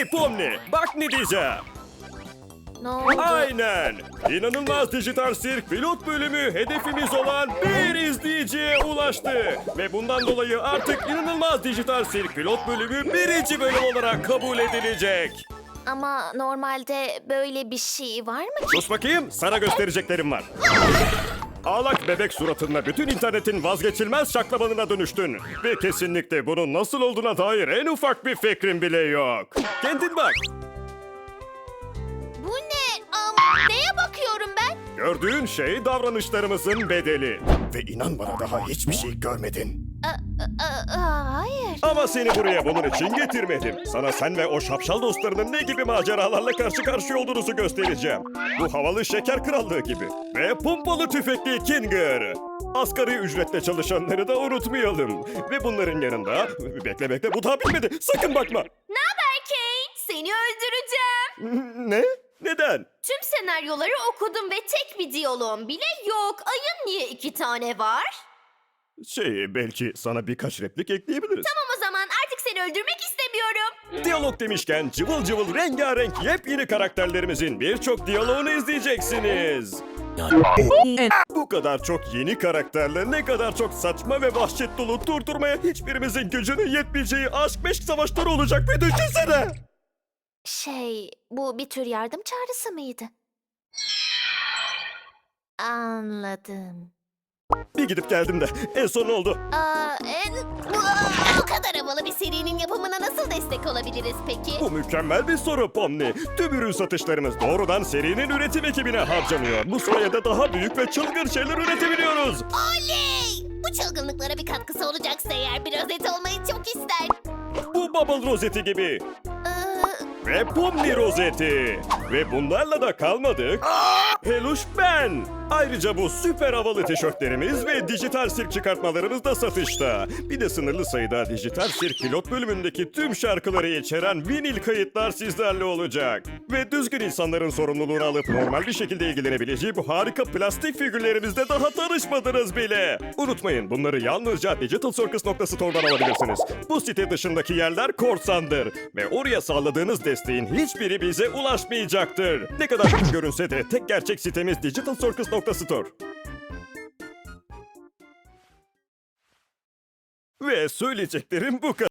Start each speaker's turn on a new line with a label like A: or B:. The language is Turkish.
A: Hey Pomni, bak ne diyeceğim.
B: Ne oldu?
A: Aynen. İnanılmaz Dijital Sirk pilot bölümü hedefimiz olan bir izleyiciye ulaştı. Ve bundan dolayı artık İnanılmaz Dijital Sirk pilot bölümü birinci bölüm olarak kabul edilecek.
B: Ama normalde böyle bir şey var mı?
A: Sus bakayım, sana göstereceklerim var. Ağlak bebek suratında bütün internetin vazgeçilmez şaklabanına dönüştün. Ve kesinlikle bunun nasıl olduğuna dair en ufak bir fikrin bile yok. Kendin bak.
B: Bu ne? Neye bakıyorum ben?
A: Gördüğün şey davranışlarımızın bedeli. Ve inan bana daha hiçbir şey görmedin.
B: Hayır.
A: Ama seni buraya bunun için getirmedim. Sana sen ve o şapşal dostlarının ne gibi maceralarla karşı karşıya olduğunuzu göstereceğim. Bu havalı şeker krallığı gibi. Ve pompalı tüfekli Kinger. Asgari ücretle çalışanları da unutmayalım. Ve bunların yanında... Bekle bu daha bitmedi. Sakın bakma.
B: Ne haber Kane? Seni öldüreceğim.
A: Ne? Neden?
B: Tüm senaryoları okudum ve tek bir diyaloğum bile yok. Ayın niye 2 tane var?
A: Belki sana birkaç replik ekleyebiliriz.
B: Tamam o zaman artık seni öldürmek istemiyorum.
A: Diyalog demişken cıvıl cıvıl rengarenk yepyeni karakterlerimizin birçok diyaloğunu izleyeceksiniz. Bu kadar çok yeni karakterle ne kadar çok saçma ve vahşet dolu durdurmaya hiçbirimizin gücünün yetmeyeceği aşk meşk savaşları olacak bir düşünsene.
B: Bu bir tür yardım çağrısı mıydı? Anladım.
A: Bir gidip geldim de en son ne oldu?
B: Bu kadar havalı bir serinin yapımına nasıl destek olabiliriz peki?
A: Bu mükemmel bir soru Pomni. Tüm ürün satışlarımız doğrudan serinin üretim ekibine harcanıyor. Bu sayede daha büyük ve çılgın şeyler üretebiliyoruz.
B: Oley! Bu çılgınlıklara bir katkısı olacaksa eğer bir rozet olmayı çok ister.
A: Bu Bubble rozeti gibi. Ve Pomni rozeti. Ve bunlarla da kalmadık. Peluş ben. Ayrıca bu süper havalı tişörtlerimiz ve dijital sirk çıkartmalarımız da satışta. Bir de sınırlı sayıda dijital sirk pilot bölümündeki tüm şarkıları içeren vinil kayıtlar sizlerle olacak. Ve düzgün insanların sorumluluğunu alıp normal bir şekilde ilgilenebileceği bu harika plastik figürlerimizle daha tanışmadınız bile. Unutmayın bunları yalnızca digitalcircus.store'dan alabilirsiniz. Bu site dışındaki yerler korsandır. Ve oraya sağladığınız desteğin hiçbiri bize ulaşmayacaktır. Ne kadar kötü görünse de tek gerçek sitemiz digitalcircus.store. Ve söyleyeceklerim bu kadar.